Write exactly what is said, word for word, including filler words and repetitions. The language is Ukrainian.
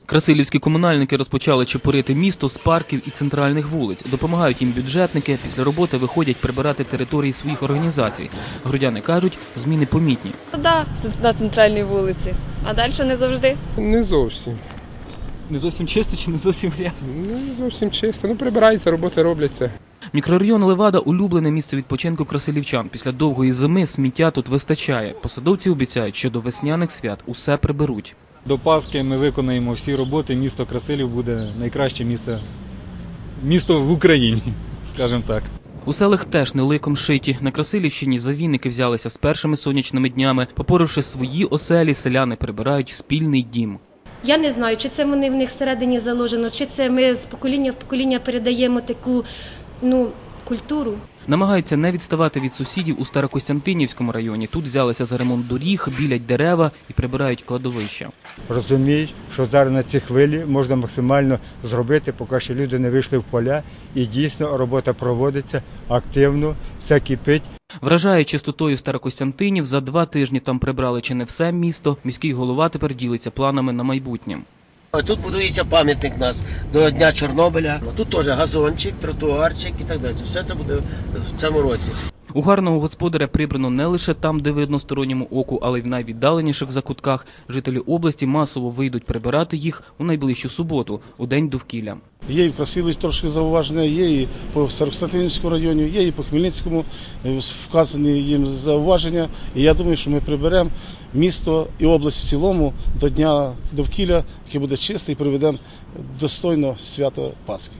Красилівські комунальники розпочали чепурити місто з парків і центральних вулиць. Допомагають їм бюджетники, після роботи виходять прибирати території своїх організацій. Городяни кажуть, зміни помітні. Так, на центральній вулиці, а далі не завжди. Не зовсім. Не зовсім чисто чи не зовсім грязно? Не зовсім чисто. Ну, прибирається, роботи робляться. Мікрорайон Левада – улюблене місце відпочинку красилівчан. Після довгої зими сміття тут вистачає. Посадовці обіцяють, що до весняних свят усе приберуть. До Пасхи ми виконаємо всі роботи, місто Красилів буде найкраще місце, місто в Україні, скажімо так. У селах теж не ликом шиті. На Красилівщині завійники взялися з першими сонячними днями. Попоривши свої оселі, селяни прибирають спільний дім. Я не знаю, чи це вони в них всередині заложено, чи це ми з покоління в покоління передаємо таку, ну, культуру. Намагаються не відставати від сусідів у Старокостянтинівському районі. Тут взялися за ремонт доріг, білять дерева і прибирають кладовища. Розуміють, що зараз на цій хвилі можна максимально зробити, поки ще люди не вийшли в поля. І дійсно робота проводиться активно, все кипить. Вражає чистотою Старокостянтинів, за два тижні там прибрали чи не все місто. Міський голова тепер ділиться планами на майбутнє. Тут будується пам'ятник у нас до Дня Чорнобиля. Тут теж газончик, тротуарчик і так далі. Все це буде в цьому році. У гарного господаря прибрано не лише там, де видно сторонньому оку, але й в найвіддаленіших закутках. Жителі області масово вийдуть прибирати їх у найближчу суботу, у День довкілля. Є і в Красилові трошки зауваження, є і по Старокостянтинівському районі, є і по Хмельницькому вказані їм зауваження. І я думаю, що ми приберемо місто і область в цілому до Дня довкілля, який буде чистий, і приведемо достойно свято Пасхи.